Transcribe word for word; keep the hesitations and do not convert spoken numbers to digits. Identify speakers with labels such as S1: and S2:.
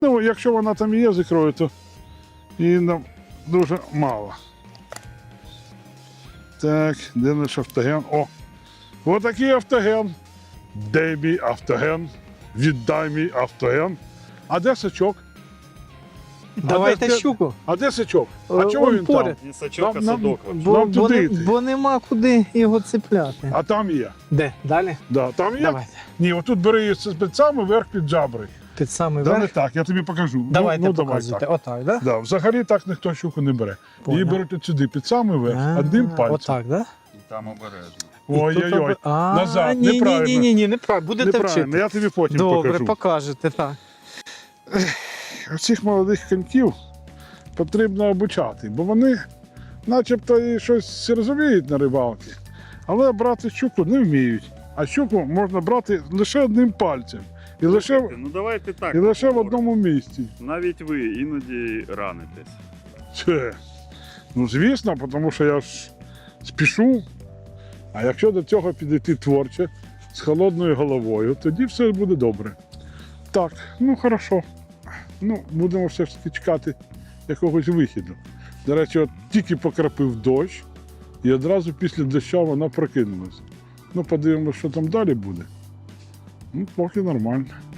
S1: Ну, якщо вона там є з ікрою, то її нам дуже мало. Так, де наш автоген? О! Отакий автоген. Де мій автоген? Віддай мій автоген. А де сачок?
S2: Давайте
S1: А де-
S2: щуку.
S1: А де сачок? А
S2: Е,
S1: чого
S2: он
S1: він
S2: поряд.
S1: там?
S3: Не сачок, а
S1: Нам- нам-
S3: садок. вообще.
S2: Бо,
S1: Нам
S2: бо,
S1: туди
S2: не-
S1: йти.
S2: бо нема куди його цепляти.
S1: А там є.
S2: Де? Далі?
S1: Да, там є.
S2: Давайте.
S1: Ні, отут бери її з спецами вверх під джабри.
S2: Під самий
S1: Да, не
S2: верх.
S1: так, я тобі покажу.
S2: Давайте
S1: ну, ну, давай
S2: показуйте.
S1: так.
S2: Отак, да?
S1: Да, взагалі так ніхто щуку не бере. Її
S2: Понял.
S1: беруть от сюди, під самий верх,
S2: А,
S1: одним пальцем.
S2: Отак, да?
S3: І там обережно.
S2: І тут
S1: Ой-ой-ой,
S2: оби- А,
S1: назад,
S2: ні, ні,
S1: неправильно.
S2: ні, ні, ні, неправильно. Будете
S1: Неправильно,
S2: вчити.
S1: я тобі потім
S2: Добре,
S1: покажу.
S2: покажете, так.
S1: Цих молодих коньків потрібно обучати, бо вони начебто і щось розуміють на рибалці, але брати щуку не вміють. А щуку можна брати лише одним пальцем. І лише,
S3: Слухайте, ну давайте так.
S1: і лише в
S3: поговоримо.
S1: одному місці.
S3: Навіть ви іноді ранитесь.
S1: Це, ну звісно, тому що я ж спішу. А якщо до цього підійти творче, з холодною головою, тоді все буде добре. Так, ну хорошо. Ну, будемо все ж таки чекати якогось вихіду. До речі, от тільки покрапив дощ, і одразу після дощу вона прокинулась. Ну, подивимося, що там далі буде. Ну, поки нормально.